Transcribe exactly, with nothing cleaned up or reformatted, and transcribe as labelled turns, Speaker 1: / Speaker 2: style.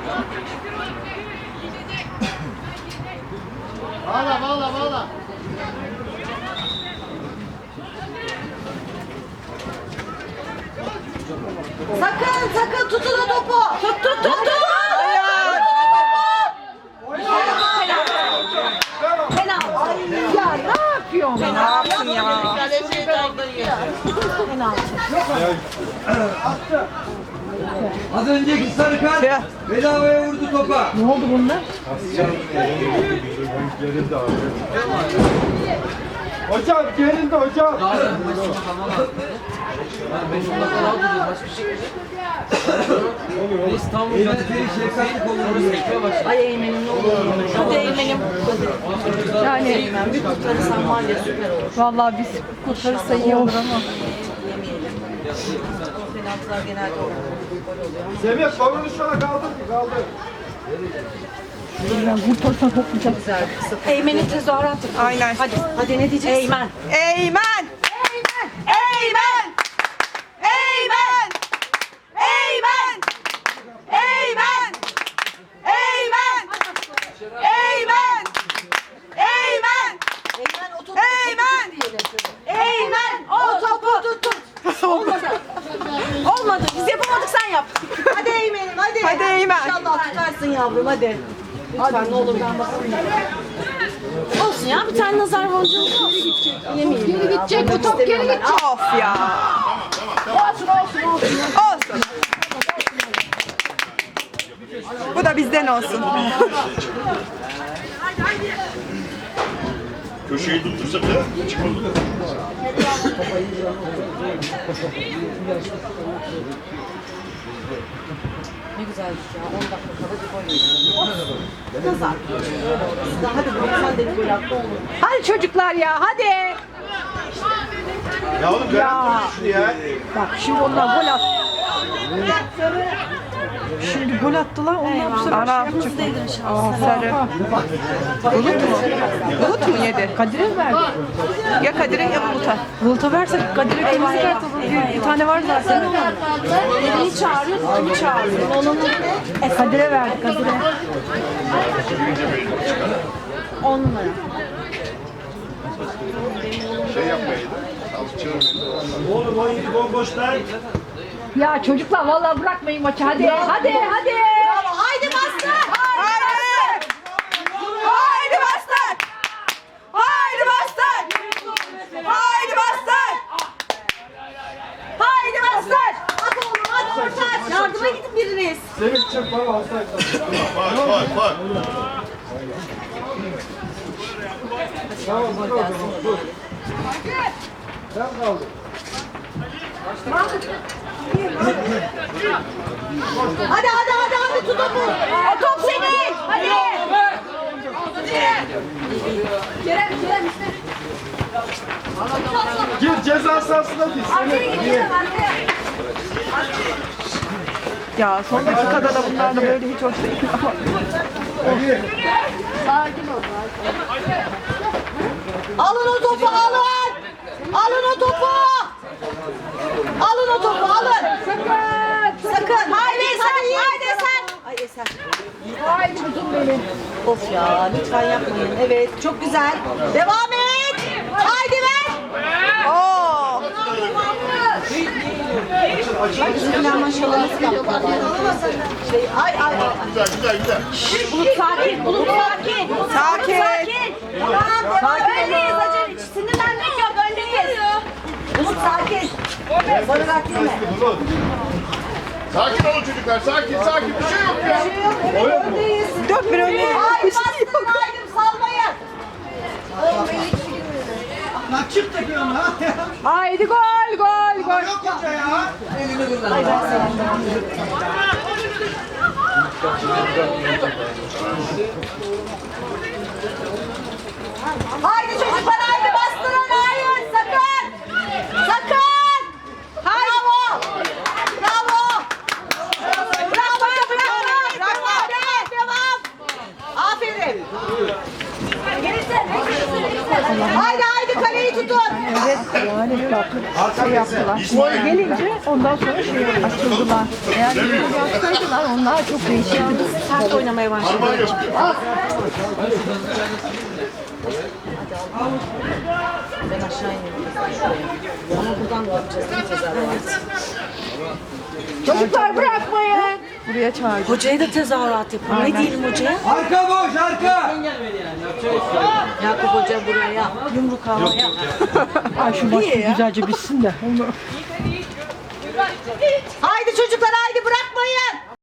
Speaker 1: Bağla bağla bağla.
Speaker 2: Sakın sakın tutun o topu. Tut tut tut tut.
Speaker 3: Ya ne yapıyorsun?
Speaker 2: Ne yaptın ya?
Speaker 4: Az önceki sarı kart bedavaya vurdu topa.
Speaker 3: Ne oldu bunlar?
Speaker 1: Hocam gerildi hocam.
Speaker 4: Eğlenceli şefkatli olur.
Speaker 2: Ay Eymen'im ne olur. Hadi Eymen'im.
Speaker 3: Yani
Speaker 2: Eymen bir kurtarırsan var ya süper olur.
Speaker 3: vallahi biz kurtarırsa iyi olur ama.
Speaker 2: Yemeyelim. O penaltılar genelde gol oluyor.
Speaker 1: Semih kolunu şuna kaldır kaldır.
Speaker 3: Yani kurtarırsan toplayacak.
Speaker 2: Güzel. Eymen'in tezahüratı.
Speaker 5: Aynen.
Speaker 2: Hadi. Hadi ne diyeceksin? Eymen.
Speaker 5: Eymen! Eymen! Eymen! Eymen! Eymen! Eymen! Eymen! Eymen! Eymen!
Speaker 2: Eymen o topu.
Speaker 5: Eymen! Eymen! O topu tut tut.
Speaker 2: Olmadı. Olmadı. Biz yapamadık sen yap. Hadi Eymen'im hadi.
Speaker 5: Hadi Eymen.
Speaker 2: İnşallah tutarsın yavrum hadi. Lütfen ne olur ben bakayım. Olsun ya bir tane nazar boncuğu olsun. Bilemeyeyim.
Speaker 3: Geri gidecek bu top, geri gidecek.
Speaker 5: Of ya.
Speaker 3: Olsun olsun olsun.
Speaker 5: Olsun. Bu da bizden olsun.
Speaker 6: Köşeyi tuttursa bile çıkmadı.
Speaker 2: Ne güzelmiş ya. on dakika kala bir gol yedim. Nazar. Öyle oldu. Daha hadi doksan de bir gol attı olur.
Speaker 3: Hadi çocuklar ya hadi.
Speaker 1: Ya oğlum
Speaker 3: Ya.
Speaker 1: şunu ya.
Speaker 3: Bak şimdi onlar gol attı. Şimdi gol attılar onlar bu sefer
Speaker 5: Ana.
Speaker 3: şey yapmadı.
Speaker 5: Aa, sarı. Bulut mu? Bulut mu yedi?
Speaker 3: Kadir'e verdi.
Speaker 5: Ya Kadir'e ya Bulut'a.
Speaker 3: Bulut'a versek Kadir'e kırmızı kart alır. Bir, bir tane var zaten.
Speaker 2: Birini çağırıyor, kimi çağırıyor.
Speaker 3: E, Kadir'e verdi Kadir'e.
Speaker 2: On numara.
Speaker 6: Şey yapmayaydı.
Speaker 1: Oğlum o iyi bomboş lan.
Speaker 3: Ya çocuklar vallahi bırakmayın maçı hadi. Hadi hadi.
Speaker 2: Bravo. Haydi bastır.
Speaker 5: Haydi! Haydi bastır! Haydi bastır! Haydi bastır!
Speaker 2: Haydi bastır. At oğlum hadi orta aç. Yardıma gidin biriniz.
Speaker 1: Semih çık bana hastaydı.
Speaker 6: Bak bak bak.
Speaker 1: Tamam dur dur dur. Ben kaldım.
Speaker 2: Hadi hadi hadi hadi tut topu. O top senin. Hadi. Kerem Kerem işte.
Speaker 1: Gir ceza sahasına gir.
Speaker 2: Arkaya gidelim arkaya.
Speaker 5: Ya son dakikada da bunlar da böyle hiç hoş değil ama.
Speaker 2: Alın o topu alın. Alın o topu. Alın o topu alın. Sakın. Sakın. Haydi sen. Haydi sen. Ay Esen.
Speaker 3: Haydi kuzum benim.
Speaker 2: Of ya lütfen yapmayın. Evet çok güzel. Devam et. Haydi ver.
Speaker 5: Oo!
Speaker 2: Ay bizimkiler maşallah nasıl yaptılar. Şey, ay ay ay.
Speaker 6: Güzel güzel güzel.
Speaker 2: Bulut sakin. Bulut sakin.
Speaker 5: Sakin.
Speaker 2: Sakin. Tamam devam. Öndeyiz acele. Hiç sinirlenmek yok. Öndeyiz. Bulut sakin. Bana bekleme.
Speaker 6: Bulut. Sakin olun çocuklar. Sakin sakin. Bir şey yok ya.
Speaker 2: Bir şey yok. Evet öndeyiz.
Speaker 5: Dört bir önüne.
Speaker 2: Haydi bastırın. Haydi salmayın.
Speaker 1: Lan çık takıyorsun ha.
Speaker 3: Haydi gol gol gol.
Speaker 1: Yok hoca ya.
Speaker 2: Haydi çocuklar haydi bastırın. Hayır sakın. Sakın. Bravo. Bravo. Bravo. Bravo. Bravo. Devam. Devam. Aferin. Haydi haydi kaleyi tutun.
Speaker 3: Evet. Yani bakın şey yaptılar. Gelince ondan sonra şey açıldılar. Eğer bir yapsaydılar onlar çok değişirdi.
Speaker 2: Sert oynamaya başladı.
Speaker 6: Harman yapıyor.
Speaker 2: Ben aşağı ineyim. Ama buradan da yapacağız değil mi tezahürat?
Speaker 3: Çocuklar bırakmayın. Buraya çağırdım.
Speaker 2: Hocaya da tezahürat yapalım. Ne diyelim hocaya?
Speaker 4: Arka boş arka.
Speaker 2: Yakup Hoca buraya yumruk havaya.
Speaker 3: Ay şu maç güzelce bitsin de.